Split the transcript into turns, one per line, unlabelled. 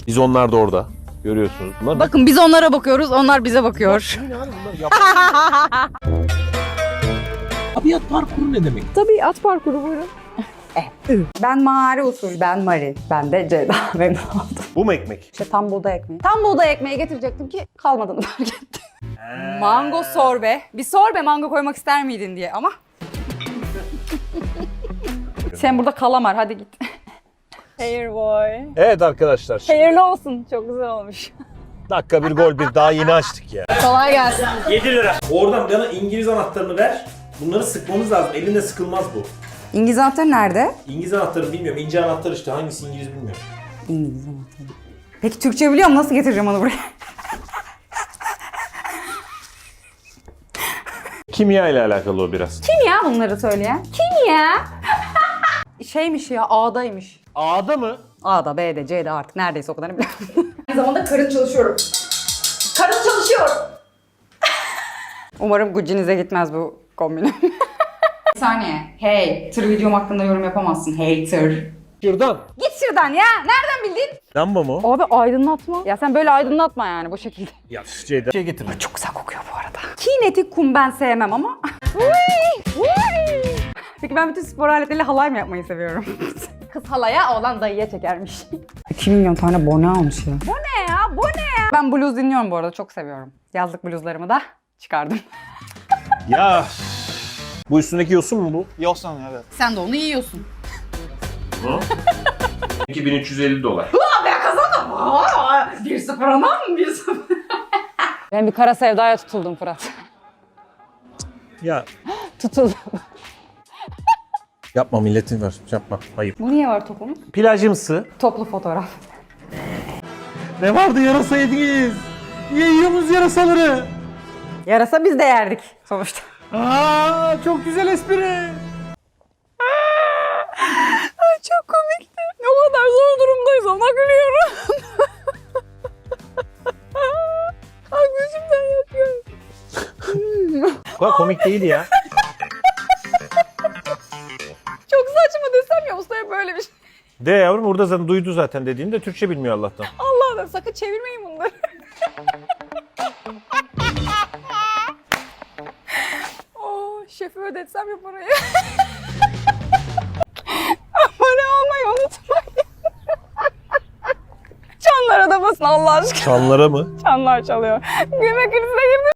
Biz onlar da orada. Görüyorsunuz. Bunlar
Bakın biz onlara bakıyoruz, onlar bize bakıyor.
Tabiat parkuru ne demek?
Tabiat parkuru buyurun. Ben Mari usul, ben Mari. Ben de Ceyda memnun oldum.
Bu mu ekmek?
İşte tam buğday ekmeği. Tam buğday ekmeği getirecektim ki kalmadığını fark ettim. Mango sorbe. Bir sorbe mango koymak ister miydin diye ama. Sen burada kalamar, hadi git. Hair boy.
Evet arkadaşlar.
Hayırlı olsun, çok güzel olmuş.
Dakika bir gol bir daha yeni açtık ya.
Kolay gelsin.
7 lira. Oradan bana İngiliz anahtarını ver. Bunları sıkmamız lazım. Elinde sıkılmaz bu.
İngiliz anahtarı nerede?
İngiliz anahtarı bilmiyorum. İnce anahtar işte. Hangisi İngiliz bilmiyorum.
İngiliz anahtarı. Peki Türkçe biliyorum, nasıl getireceğim onu buraya?
Kimya ile alakalı o biraz.
Kim ya bunları söyleyen? Kim ya? Şeymiş ya, A'daymış.
A'da mı?
A'da, B'de, C'de artık neredeyse o kadarını biliyorum. Aynı zamanda karın çalışıyorum. Karın çalışıyor. Umarım Gucci'nize gitmez bu kombinim. Bir saniye. Hey, tır videom hakkında yorum yapamazsın. Hey tır.
Şuradan.
Git şuradan ya. Nereden bildin?
Lamba mı?
Abi aydınlatma. Ya sen böyle aydınlatma yani bu şekilde.
Ya Ceyda. Şey getirme.
Çok güzel kokuyor bu arada. Kinetik kum ben sevmem ama. Peki ben bütün spor aletleriyle halay mı yapmayı seviyorum? Kız halaya, oğlan dayıya çekermiş. 2 milyon tane bone almış ya. Bu ne ya? Bu ne ya? Ben blues dinliyorum bu arada, çok seviyorum. Yazlık bluzlarımı da çıkardım.
Ya. Bu üstündeki yosun mu bu?
Yosun evet.
Sen de onu yiyorsun.
2350 dolar.
Ben kazandım. 1-0 anam mı? 1-0. Ben bir kara sevdaya tutuldum Fırat.
Ya.
Tutuldum.
Yapma milletin var. Yapma. Ayıp.
Bu niye var topumuz?
Plajımsı.
Toplu fotoğraf.
Ne vardı yarasa yediniz? Niye yiyorsunuz yarasaları?
Yarasa biz de yerdik sonuçta.
Aa, çok güzel espri.
Ay çok komikti. O kadar zor durumdayız ama gülüyorum. Ay gözümden yapıyorum.
Bu kadar komik değil ya.
Çok saçma desem ya ustaya böyle bir şey.
De yavrum burada zaten duydu zaten dediğini de Türkçe bilmiyor Allah'tan.
Allah'ım sakın çevirmeyin bunları. Oh, şefi ödetsem ya parayı. Abone olmayı unutmayın. Çanlara da basın Allah aşkına.
Çanlara mı?
Çanlar çalıyor. Gülme krizine girdim.